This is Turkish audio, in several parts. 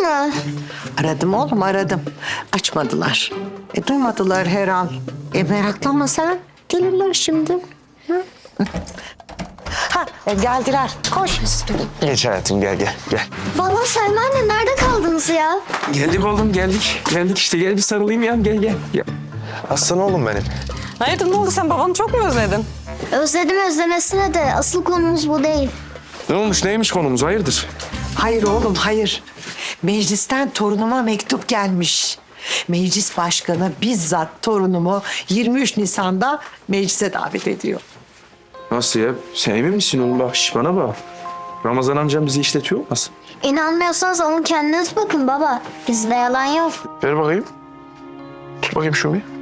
mı? Aradım oğlum, aradım. Açmadılar. Duymadılar her an. Meraklanma sen. Gelirler şimdi. Geldiler. Koş. Geç hayatım, gel. Vallahi Selma anne nerede kaldınız ya? Geldik oğlum, geldik. Geldik işte, gel bir sarılayım ya, gel. Aslan oğlum benim. Hayatım ne oldu, sen babanı çok mu özledin? Özledim özlemesine de asıl konumuz bu değil. Ne olmuş, neymiş konumuz, hayırdır? Hayır oğlum, hayır. Meclisten torunuma mektup gelmiş. Meclis başkanı bizzat torunumu 23 Nisan'da meclise davet ediyor. Nasıl ya? Sen emin misin oğlum? Bak, bana bak. Ramazan amcam bizi işletiyor olmasın? İnanmıyorsanız alın kendiniz bakın baba. Bizde yalan yok. Ver bakayım. Tut bakayım şunu bir.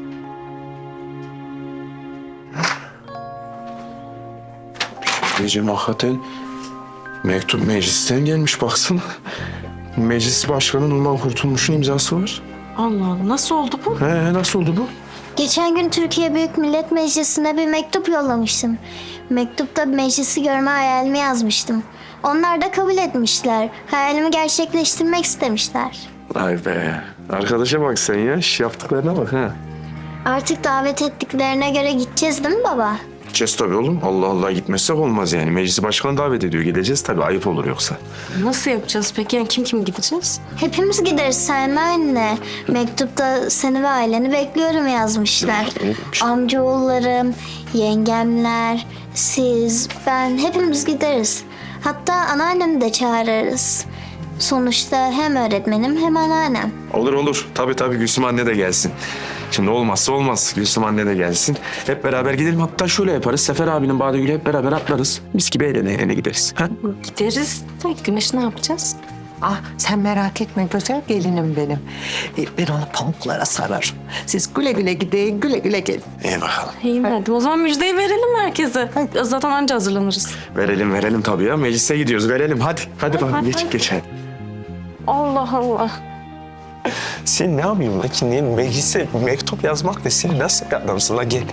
Diyeceğim hakikaten mektup meclisten gelmiş, baksana. Meclis başkanı Nurlan Kurtulmuş'un imzası var. Allah Allah, nasıl oldu bu? Nasıl oldu bu? Geçen gün Türkiye Büyük Millet Meclisi'ne bir mektup yollamıştım. Mektupta meclisi görme hayalimi yazmıştım. Onlar da kabul etmişler. Hayalimi gerçekleştirmek istemişler. Vay be. Arkadaşa bak sen ya. Yaptıklarına bak ha. Artık davet ettiklerine göre gideceğiz değil mi baba? Gideceğiz tabii oğlum. Allah Allah, gitmezsek olmaz yani. Meclisi başkanı davet ediyor. Gideceğiz tabii. Ayıp olur yoksa. Nasıl yapacağız peki? Yani kim gideceğiz? Hepimiz gideriz Selma anne. Mektupta seni ve aileni bekliyorum yazmışlar. Amcaoğullarım, yengemler, siz, ben hepimiz gideriz. Hatta anneannemi de çağırırız. Sonuçta hem öğretmenim hem anneannem. Olur. Tabii Gülsüm anne de gelsin. Şimdi olmazsa olmaz. Gülsüm anne de gelsin. Hep beraber gidelim. Hatta şöyle yaparız. Sefer abinin Badegül'ü hep beraber atlarız. Mis gibi eğlene gideriz. Ha? Gideriz de Güneş ne yapacağız? Sen merak etme güzel gelinim benim. Ben onu pamuklara sararım. Siz güle güle gidin, güle güle gelin. İyi bakalım. İyi madem. O zaman müjdeyi verelim herkese. Zaten anca hazırlanırız. Verelim tabii ya. Meclise gidiyoruz. Verelim. Hadi bakalım. Geç hadi. Allah Allah. Sen ne yapıyorsun lan ki? Niye meclise mektup yazmak ne? Sen nasıl bir adamsın lan? Gel.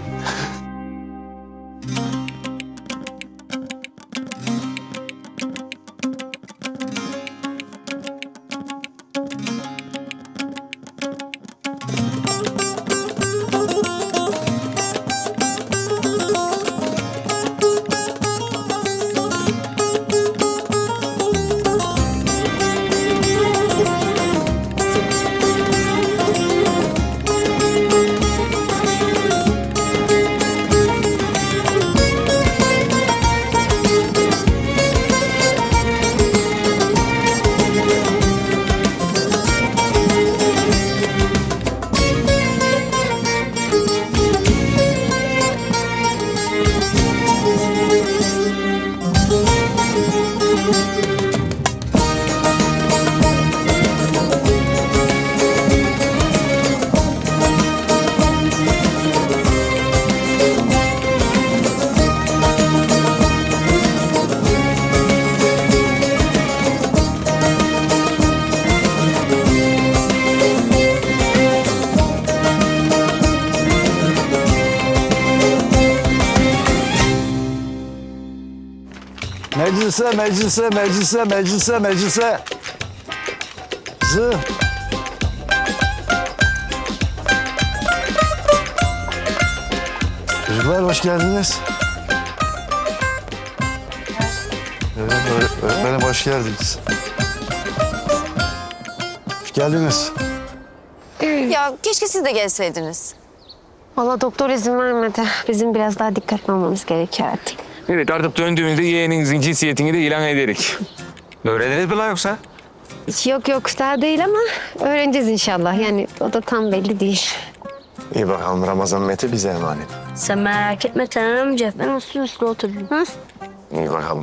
Meclise. Kızım. Çocuklar hoş geldiniz. Öğretmenim hoş geldiniz. Hoş geldiniz. Ya keşke siz de gelseydiniz. Valla doktor izin vermedi. Bizim biraz daha dikkatli olmamız gerekiyor artık. Evet, artık döndüğümüzde yeğeninizin cinsiyetini de ilan ederek. Öğreniriz mi lan yoksa? Yok daha değil ama öğreneceğiz inşallah. Yani o da tam belli değil. İyi bakalım, Ramazan Mete bize emanet. Sen merak etme Taner amca. Ben uslu otururum. Ha? İyi bakalım.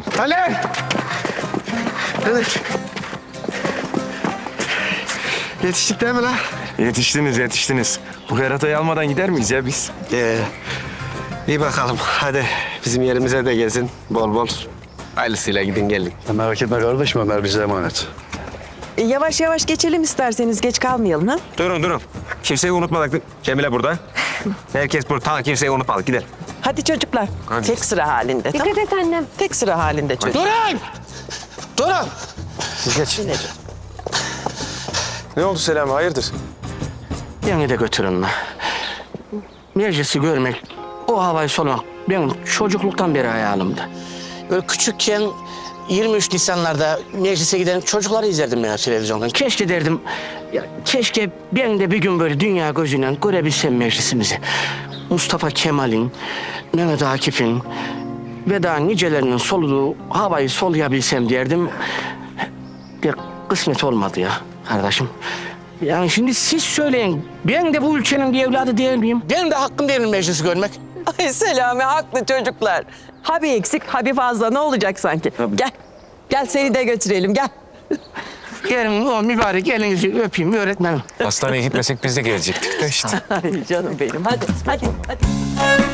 Yetiştik değil mi lan? Yetiştiniz. Bu keratayı almadan gider miyiz ya biz? İyi bakalım. Hadi bizim yerimize de gezin. Bol bol. Ailesiyle gidin gelin. Merak etme kardeşim, Ömer bize emanet. Yavaş yavaş geçelim isterseniz. Geç kalmayalım ha. Durun. Kimseyi unutmadık. Cemile burada. Herkes burada. Tamam, kimseyi unutmadık. Gidelim. Hadi çocuklar. Hadi. Tek sıra halinde. Dikkat et annem. Tek sıra halinde çocuk. Durun! Siz geç. Ne oldu Selami, hayırdır? Beni de götürün lan. Meclisi görmek, o havayı solumak benim çocukluktan beri hayalimdi. Böyle küçükken 23 Nisanlarda meclise giden çocukları izlerdim ya televizyondan. Keşke derdim, ya keşke ben de bir gün böyle dünya gözüyle görebilsem meclisimizi. Mustafa Kemal'in, Mehmet Akif'in ve daha nicelerinin soluduğu havayı soluyabilsem derdim. Ya kısmet olmadı ya kardeşim. Yani şimdi siz söyleyin, ben de bu ülkenin bir evladı değil miyim? Benim de hakkım değil mi meclisi görmek? Ay Selami haklı çocuklar. Ha bir eksik ha bir fazla ne olacak sanki? Gel. Gel seni de götürelim gel. Gelin o mübarek elinizi öpeyim öğretmenim. Hastaneye gitmesek biz de gelecektik de işte. Ay canım benim hadi hadi hadi.